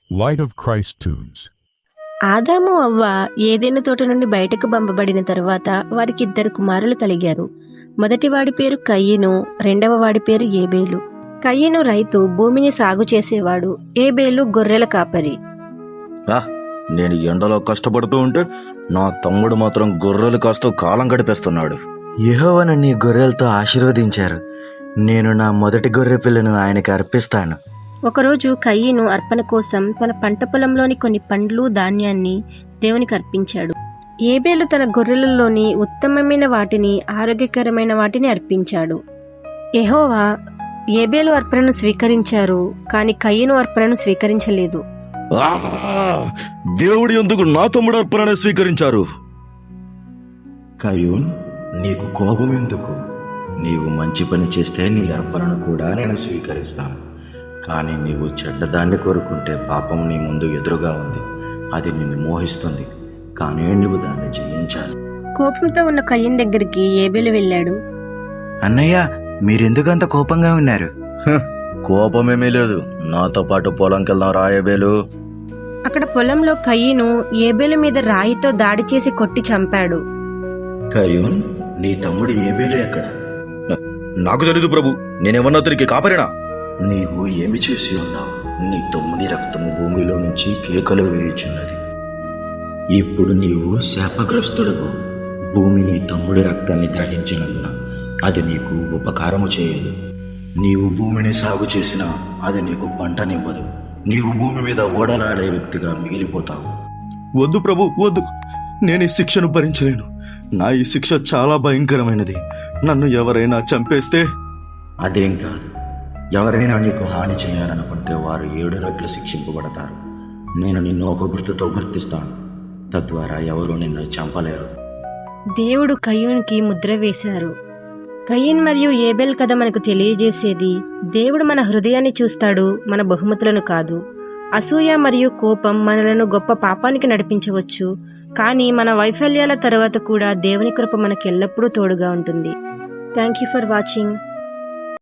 Light of Christ Tunes. ఆదాము అవ్వ ఏదెను తోట నుండి బయటకు పంపబడిన తరువాత వారికి 2 కుమారులు కలిగారు. మొదటివాడి పేరు కయ్యను, రెండవ వాడి పేరు ఏబేలు. కయ్యను రైతు, భూమిని సాగు చేసేవాడు. ఏబేలు గొర్రెల కాపరి. నేను ఎండలో కష్టపడుతూ ఉంటే నా తమ్ముడు మాత్రం గొర్రెలు కాస్తూ కాలం గడిపేస్తున్నాడు. యెహోవా నన్ను ఈ గొర్రెలతో ఆశీర్వదించారు. నేను నా మొదటి గొర్రె పిల్లను ఆయనకి అర్పిస్తాను. ఒకరోజు కయ్యను అర్పణ కోసం తన పంట పొలంలోని కొన్ని పండ్లు, ధాన్యాన్ని దేవునికి అర్పించాడు. ఏబేలు తన గొర్రెలలోని ఉత్తమమైన వాటిని, ఆరోగ్యకరమైన వాటిని అర్పించాడు. యెహోవా ఏబేలు అర్పణను స్వీకరించారు, కానీ కయ్యను అర్పణను స్వీకరించలేదు. దేవుడు ఎందుకు నా తమ్ముడు అర్పణను స్వీకరించారు? కయ్యూన్, నీకు కోపం ఎందుకు? నీవు మంచి పని చేస్తే నీ అర్పణను కూడా నేను స్వీకరిస్తాను. కానీ నీవు చెడ్డదాన్ని కోరుకుంటే పాపం నీ ముందు ఎదురుగా ఉంది. అది నిన్ను మోహిస్తుంది, కానీ నువ్వు దాన్ని జయించాలి. కోపంతో ఉన్న కయ్యను దగ్గరికి ఏబేలు వెళ్ళాడు. అన్నయ్య, మీరెందుకంత కోపంగా ఉన్నారు? కోపమేమీ లేదు, నాతో పాటు పొలంకి వెళ్దాం రాయబేలు. అక్కడ పొలంలో కయ్యను ఏబేలు మీద రాయితో దాడి చేసి కొట్టి చంపాడు. కయ్యూన్, నీ తమ్ముడు ఏబేలు ఎక్కడ? నాకు తెలీదు ప్రభు, నేనేమన్నా అతనికి కాపరినా? నీవు ఏమి చేసి ఉన్నావు? నీ తమ్ముని రక్తము భూమిలో నుంచి కేకలు వేయుచున్నది. ఇప్పుడు నీవు శాపగ్రస్తుడవు. భూమి నీ తమ్ముడి రక్తాన్ని గ్రహించినందున అది నీకు ఉపకారము చేయదు. నీవు భూమిని సాగు చేసినా అది నీకు పంటనివ్వదు. నీవు భూమి మీద ఓడలాడే వ్యక్తిగా మిగిలిపోతావు. వద్దు ప్రభు, వద్దు. నేను ఈ శిక్షను భరించలేను. నా ఈ శిక్ష చాలా భయంకరమైనది. నన్ను ఎవరైనా చంపేస్తే? అదేం కాదు. ఎవరైనా నీకు హాని చేయాలనుకుంటే వారు 7 రెట్లు శిక్షింపబడతారు. నేను నిన్ను ఒక గుర్తుతో గుర్తిస్తాను, తద్వారా ఎవరు నిన్ను చంపలేరు. దేవుడు కయ్యూన్కి ముద్ర వేశారు. కయ్యన్ మరియు ఏబేల్ కథ మనకు తెలియజేసేది, దేవుడు మన హృదయాన్ని చూస్తాడు, మన బహుమతులను కాదు. అసూయ మరియు కోపం మనలను గొప్ప పాపానికి నడిపించవచ్చు, కానీ మన వైఫల్యాల తర్వాత కూడా దేవుని కృప మనకు ఎల్లప్పుడూ తోడుగా ఉంటుంది. Thank you for watching.